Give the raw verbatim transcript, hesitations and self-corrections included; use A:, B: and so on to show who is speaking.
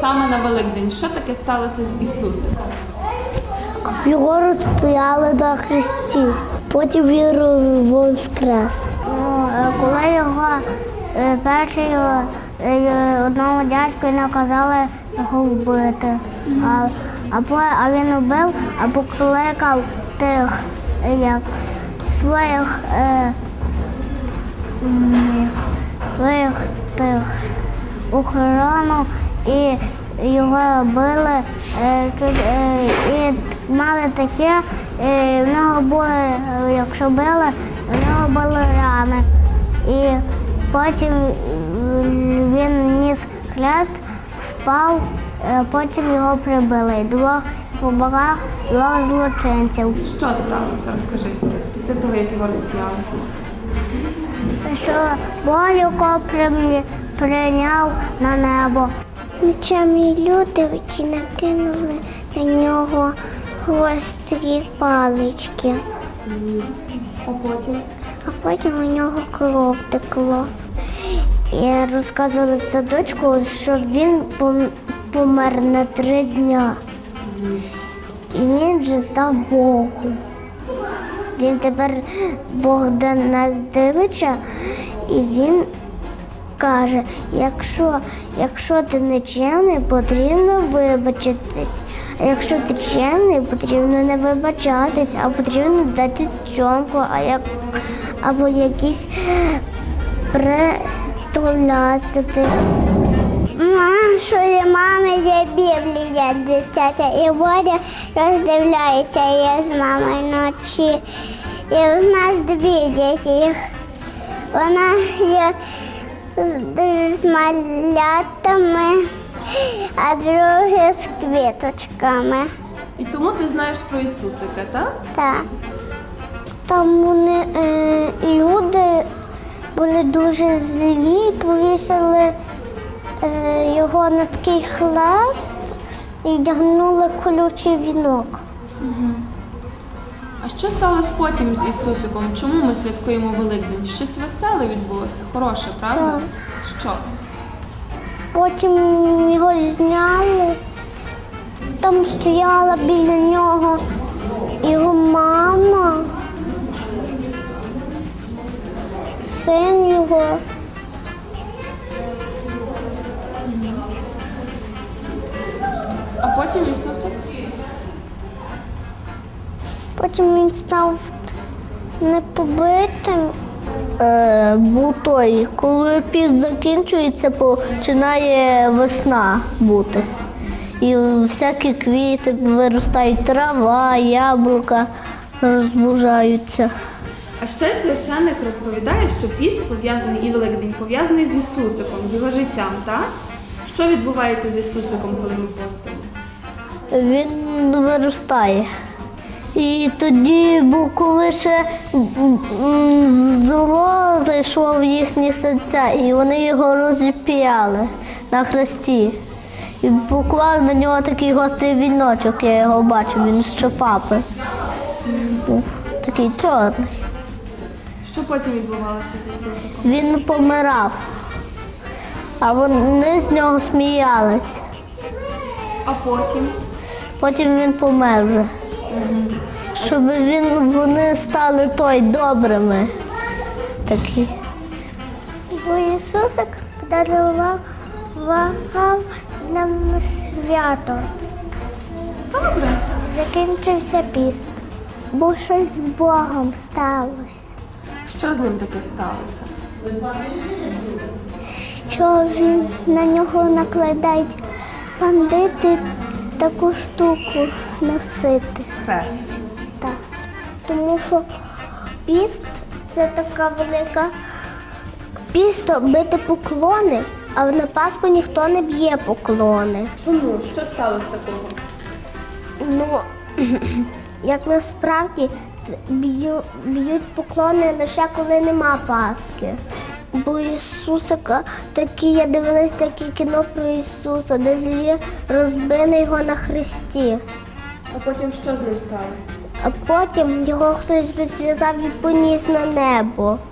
A: саме на Великдень. Що таке сталося з Ісусом?
B: Його розп'яли на хресті, потім він воскрес. Ну, коли його перший одному дядьку наказали його вбити, а, а, а він вбив, а покликав тих як, своїх, е, своїх тих охорону і його били, е, е, і мали таке, е, в нього були, якщо били, в нього були рани. І потім він ніс хрест, впав, е, потім його прибили. І двох по боках двох злочинців.
A: Що сталося? Розкажи, після того, як його розп'яли.
B: Що Бог його прийняв на небо. Ночами люди ті накинули на нього гострі палички.
A: А потім?
B: А потім у нього кров текло. І розказували садочку, що він помер на три дня. І він вже став Богом. Він тепер Бог до нас дивиться, і він каже, якщо, якщо ти не чемний, потрібно вибачитись. А якщо ти чемний, потрібно не вибачатись, а потрібно дати цьомку, а як, або якісь притулясити. Нашої мами є Біблія дитяча, і Бодя роздивляється її з мамою вночі. І в нас дві діти. Вона є з малятами, а друге з квіточками.
A: І тому ти знаєш про Ісусика, так?
B: Так. Там вони, е, люди були дуже злі, повісили е, його на такий хрест і вдягнули колючий вінок.
A: Угу. А що сталося потім з Ісусиком? Чому ми святкуємо Великдень? Щось веселе відбулося, хороше, правда?
B: Так.
A: Що?
B: Потім його зняли, там стояла біля нього його мама, син його.
A: А потім Ісусик?
B: Потім він став непобитим. Е, був той, коли піст закінчується, починає весна бути. І всякі квіти виростають, трава, яблука розбужаються.
A: А ще священник розповідає, що піст пов'язаний і Великдень пов'язаний з Ісусиком, з його життям, так? Що відбувається з Ісусиком, коли ми постимо?
B: Він виростає. І тоді, бо коли ще зло зайшло в їхні серця, і вони його розіп'яли на хресті. І поклали на нього такий гострий віночок, я його бачив, він ще папи був, такий чорний.
A: Що потім відбувалося з Ісусиком?
B: Він помирав, а вони з нього сміялись.
A: А потім?
B: Потім він помер вже. Угу. Щоб він, вони стали той добрими. Такі. Бо Ісусик подарував нам свято.
A: Добре.
B: Закінчився піст. Бо щось з Богом сталося.
A: Що з ним таке сталося?
B: Що він на нього накладають бандити таку штуку носити.
A: Хрест.
B: Так. Тому що піст – це така велика пісто бити поклони, а на Пасху ніхто не б'є поклони.
A: Чому? Що сталося такого?
B: Ну, як насправді б'ю, б'ють поклони лише коли нема Пасхи. Бо Ісусика такі, я дивилась таке кіно про Ісуса, де злі розбили його на хресті.
A: А потім що з ним сталося?
B: А потім його хтось розв'язав і поніс на небо.